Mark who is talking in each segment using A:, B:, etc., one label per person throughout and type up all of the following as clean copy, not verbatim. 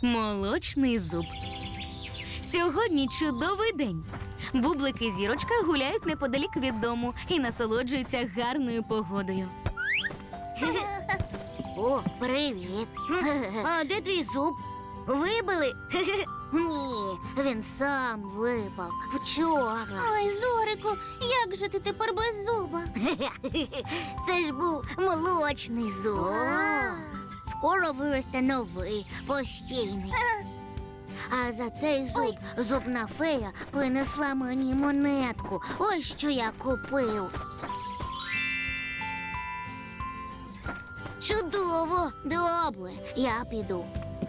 A: Молочний зуб. Сьогодні чудовий день. Бублик і Зірочка гуляють неподалік від дому і насолоджуються гарною погодою.
B: О, привіт. А де твій зуб? Вибили? Ні, він сам випав вчора.
C: Ой, Зорику, як же ти тепер без зуба?
B: Це ж був молочний зуб. Скоро виросте новий, постійний. А за цей зуб зубна фея принесла мені монетку. Ось що я купив. Чудово! Добре, я піду.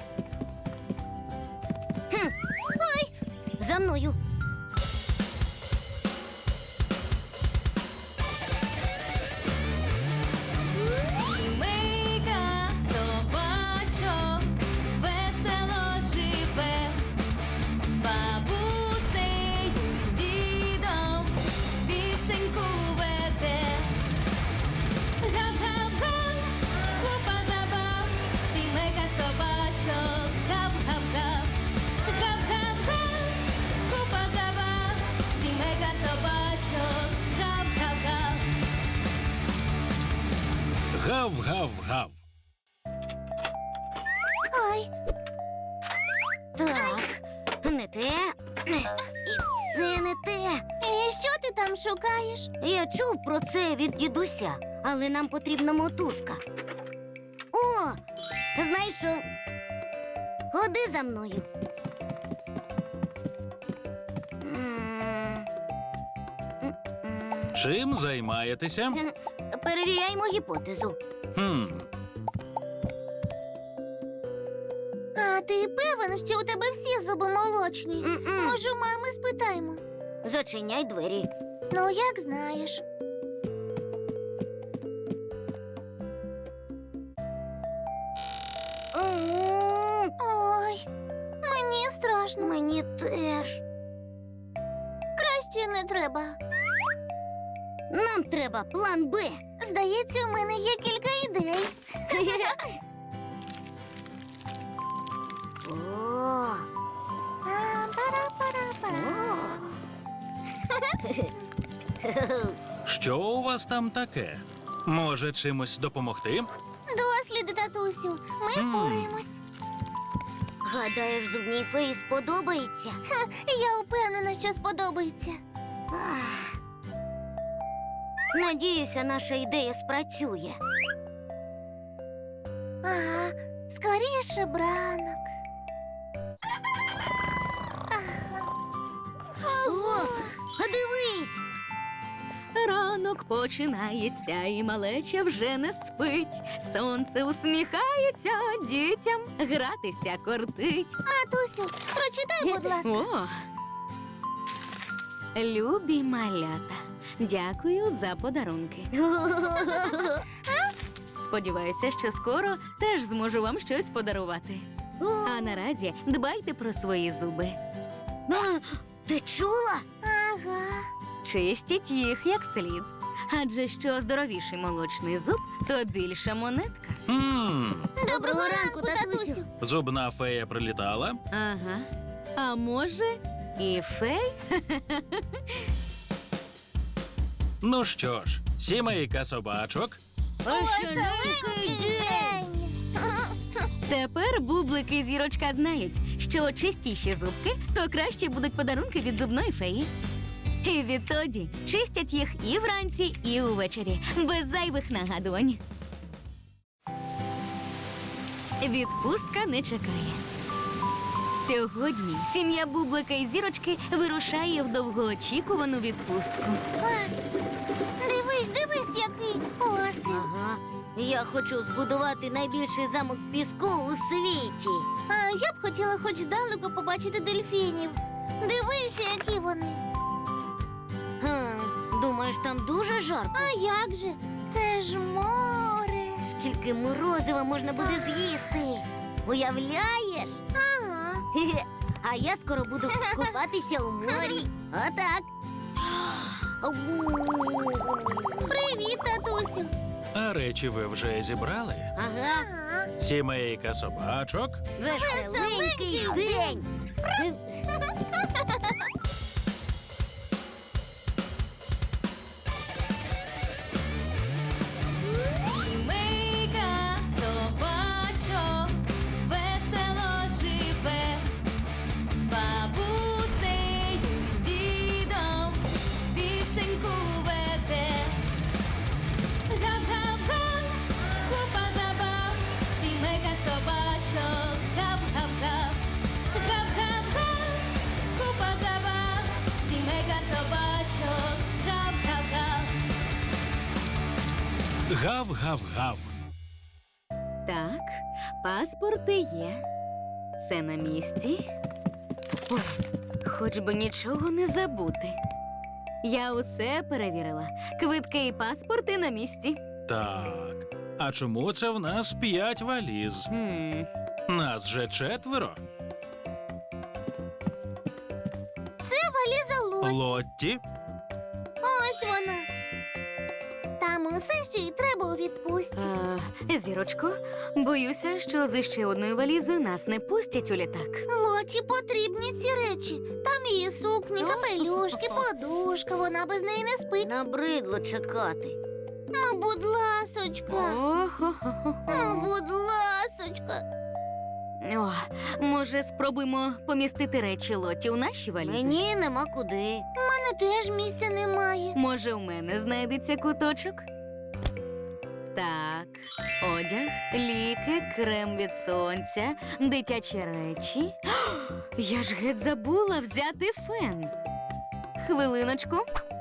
B: Ой, за мною.
A: Сімейка собачок весело живе, з бабусею, з дідом пісеньку веде. Гап-гап-га, купа забав, сімейка собачок, гап-гап-га. Гап-гап-га, купа забав, сімейка собачок, гап-гап-га.
D: Гав-гав-гав.
C: Ой,
B: Так, не те. І це не те.
C: і що ти там шукаєш?
B: Я чув про це від дідуся, але нам потрібна мотузка. О, знайшов. Ходи за мною.
D: Чим займаєтеся?
B: Перевіряємо гіпотезу.
C: А ти певен, що у тебе всі зуби молочні?
B: М-м.
C: Може, у мами спитаємо?
B: Зачиняй двері.
C: Ну, як знаєш. Ой, мені страшно.
B: Мені теж.
C: Краще не треба.
B: Нам треба план Б.
C: Здається, у мене є кілька ідей.
B: О,
C: Пара-пара-пара.
D: Що у вас там таке? Може, чимось допомогти?
C: Досліди, татусю, ми впораємось.
B: гадаєш, зубній феї сподобається?
C: Я впевнена, що сподобається.
B: Ах. Надіюся, наша ідея спрацює.
C: Ага, скоріше бранок.
B: О, дивись!
A: Ранок починається, і малеча вже не спить. Сонце усміхається, дітям гратися кортить.
C: Матусю, прочитай, будь ласка.
A: О! Любі малята, дякую за подарунки. Сподіваюся, що скоро теж зможу вам щось подарувати. А наразі дбайте про свої зуби.
B: А, ти чула?
C: Ага.
A: Чистіть їх як слід. Адже що здоровіший молочний зуб, то більша монетка.
B: Доброго ранку, татусю.
D: Зубна фея прилітала?
A: Ага. А може, і фей?
D: Ну що ж, сімейка собачок.
C: Веселенький день.
A: Тепер Бублик і Зірочка знають, що чистіші зубки, то краще будуть подарунки від зубної феї. І відтоді чистять їх і вранці, і увечері, без зайвих нагадувань. Відпустка не чекає. Сьогодні сім'я Бублика і Зірочки вирушає в довгоочікувану відпустку.
C: Дивись, дивись, який острів.
B: Ага. Я хочу збудувати найбільший замок з піску у світі.
C: А я б хотіла хоч здалеку побачити дельфінів. Дивися, які вони.
B: Думаєш, там дуже жарко?
C: А як же? Це ж море.
B: Скільки морозива можна буде з'їсти? Уявляєш?
C: Ага.
B: Хе-хе. А я скоро буду купатися у морі. Отак.
C: Привіт, татусю.
D: А речі ви вже зібрали?
B: Ага.
C: Ага.
D: Сімейка собачок.
B: Веселенький день.
A: Сімейка собачок весело живе, з бабусею, з дідом пісеньку веде. Гав-гав-га, купа забав, сімейка собачок, гав-гав-гав. Гав-гав-га, купа забав, сімейка собачок, гав-гав-гав.
D: Гав-гав-гав.
A: Так, паспорти є. Це на місці. Ой, хоч би нічого не забути. Я усе перевірила. Квитки і паспорти на місці.
D: Так. А чому це в нас 5 валіз? Нас же 4.
C: Це валіза Лоті.
D: Лотті.
C: Ось вона. Там усе, що їй треба у відпустці.
A: Зірочко, боюся, що з ще одною валізою нас не пустять у літак.
C: Лоті потрібні ці речі. Там її сукні, капелюшки, подушка. Вона без неї не спить.
B: Набридло чекати.
C: Ну, будь ласочка. Ну, будь ласочка.
A: О, може, спробуємо помістити речі Лоті у наші валізи?
B: Мені нема куди.
C: У мене теж місця немає.
A: Може, у мене знайдеться куточок? Так, одяг, ліки, крем від сонця, дитячі речі. Я ж геть забула взяти фен. Хвилиночку.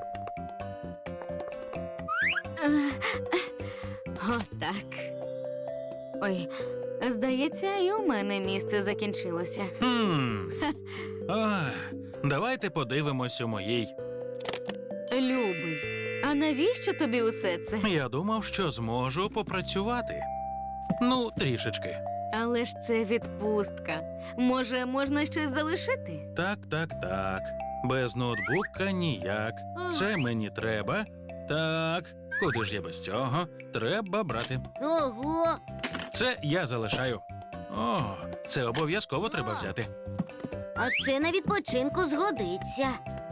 A: Отак. Ой, здається, і у мене місце закінчилося.
D: Ах, давайте подивимось у моїй.
A: Любий, а навіщо тобі усе це?
D: Я думав, що зможу попрацювати. Ну, трішечки.
A: Але ж це відпустка. Може, можна щось залишити?
D: Так. Без ноутбука ніяк. Це мені треба. Так, куди ж я без цього? Треба брати.
B: Ого!
D: Це я залишаю. О, це обов'язково треба взяти.
B: А це на відпочинку згодиться.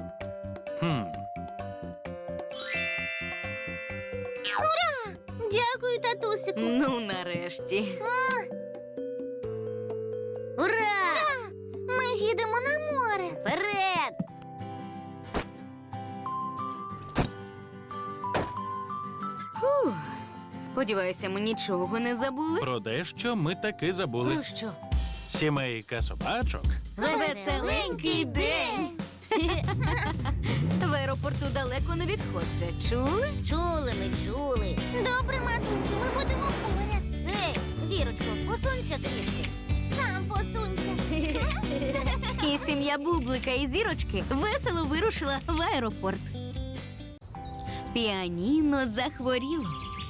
C: Дякую, татусику.
A: Ну, нарешті.
B: Ура!
C: Ми їдемо на море.
B: Вперед!
A: Фух. Сподіваюся, ми нічого не забули.
D: Про дещо ми таки забули.
A: Про що?
D: Сімейка собачок.
B: Веселенький день!
A: В аеропорту далеко не відходьте. Чули?
B: Чули.
C: Добре, матусю, ми будемо поряд.
B: Ей, Зірочко, посунься трішки.
C: Сам посунься.
A: І сім'я Бублика і Зірочки весело вирушила в аеропорт. Піаніно захворіло.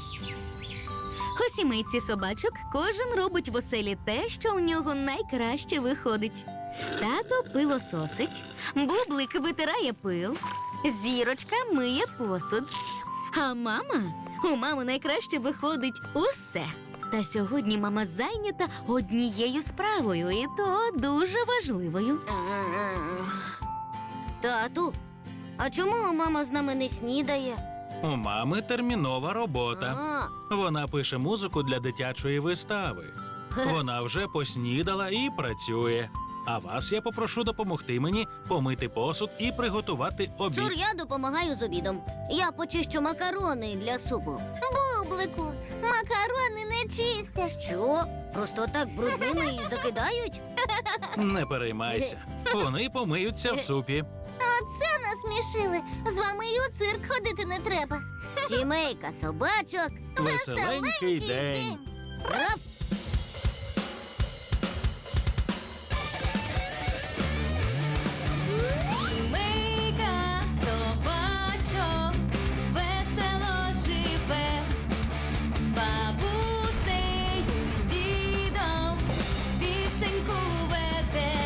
A: У сімейці собачок кожен робить в оселі те, що у нього найкраще виходить. Тато пилососить, Бублик витирає пил, Зірочка миє посуд. А у мами найкраще виходить усе. Та сьогодні мама зайнята однією справою, і то дуже важливою.
B: Тату, а чому мама з нами не снідає?
D: У мами термінова робота.
B: А,
D: Вона пише музику для дитячої вистави. Вона вже поснідала і працює. А вас я попрошу допомогти мені помити посуд і приготувати обід.
B: Цур, я допомагаю з обідом. Я почищу макарони для супу.
C: Бублику, макарони не чистять.
B: Що? Просто так брудними і закидають?
D: Не переймайся. Вони помиються в супі.
C: Оце насмішили. З вами і у цирк ходити не треба.
B: Сімейка собачок.
D: Веселенький день.
B: Раф!
A: Сімейка собачок весело живе, з бабусею, з дідом пісеньку веде.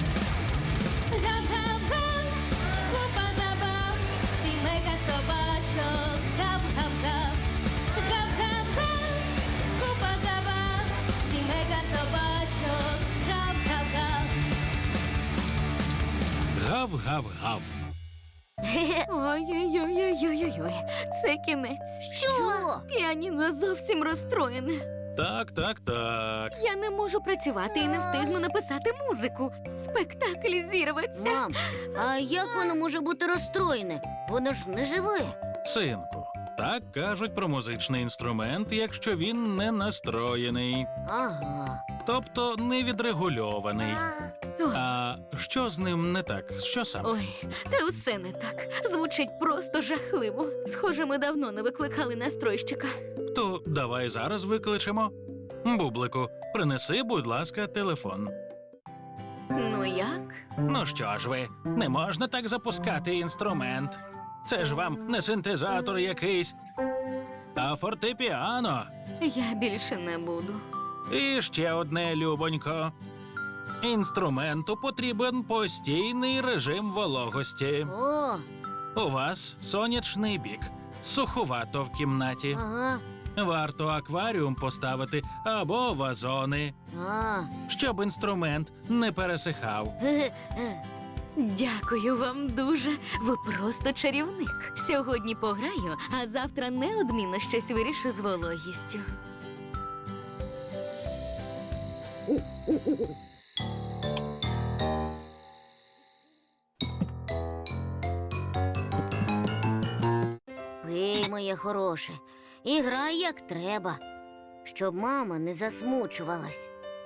A: Гав-гав-га, купа забав, сімейка собачок, гав-гав-гав. Гав-гав-га, купа забав,
D: Гав-гав-гав.
A: Ой-ой-ой-ой-ой-ой, це кінець.
B: Що?
A: Піаніно зовсім розстроєне.
D: Так.
A: Я не можу працювати і не встигну написати музику. Спектакль зірветься.
B: Мам, а як воно може бути розстроєне? Воно ж не живе.
D: Синку, так кажуть про музичний інструмент, якщо він не настроєний,
B: Ага.
D: тобто не відрегульований.
A: Ой,
D: А що з ним не так? Що саме?
A: ой, та все не так. Звучить просто жахливо. Схоже, ми давно не викликали настройщика.
D: То давай зараз викличемо. Бублику, принеси, будь ласка, телефон.
A: Ну як?
D: Ну що ж ви, не можна так запускати інструмент. Це ж вам не синтезатор якийсь, а фортепіано.
A: Я більше не буду.
D: І ще одне, любонько. Інструменту потрібен постійний режим вологості.
B: О,
D: У вас сонячний бік, суховато в кімнаті.
B: ага.
D: Варто акваріум поставити або вазони, щоб інструмент не пересихав.
B: Ге-ге.
A: Дякую вам дуже. Ви просто чарівник. Сьогодні пограю, а завтра неодмінно щось вирішу з вологістю.
B: Пий, моє хороше, і грай як треба, щоб мама не засмучувалась.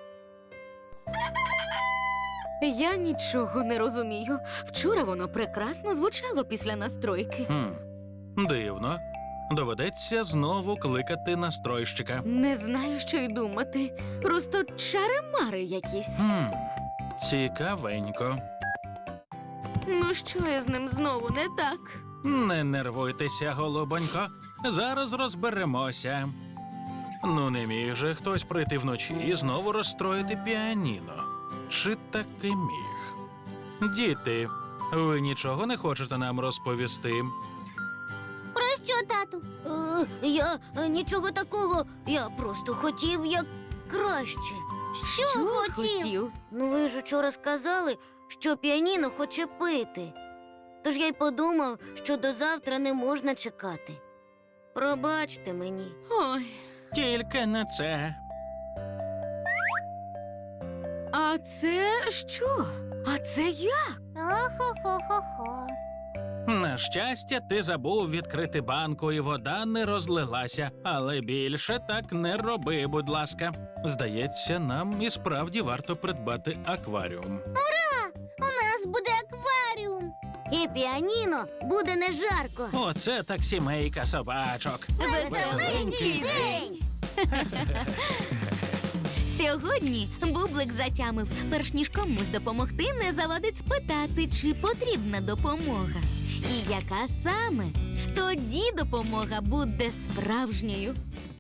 A: Я нічого не розумію. Вчора воно прекрасно звучало після настройки.
D: Дивно. Доведеться знову кликати настройщика.
A: Не знаю, що й думати. Просто чари-мари якісь.
D: Цікавенько.
A: Ну що я з ним знову не так?
D: Не нервуйтеся, голубонько. Зараз розберемося. Ну, не міг же хтось прийти вночі і знову розстроїти піаніно. Чи таки міг? Діти, ви нічого не хочете нам розповісти?
C: Про що, тату?
B: Я нічого такого, я просто хотів як краще.
C: Що хотів?
B: Ну ви ж учора сказали, що піаніно хоче пити. Тож я й подумав, що до завтра не можна чекати. Пробачте мені.
A: Ой,
D: Тільки не це.
A: а це що? А це як?
C: Охо-хо-хо-хо.
D: На щастя, ти забув відкрити банку, і вода не розлилася. Але більше так не роби, будь ласка. Здається, нам і справді варто придбати акваріум.
C: У нас буде акваріум.
B: І піаніно буде не жарко.
D: Оце так сімейка собачок.
A: Веселенький день! Сьогодні Бублик затямив, перш ніж комусь допомогти, не завадить спитати, чи потрібна допомога. І яка саме? Тоді допомога буде справжньою.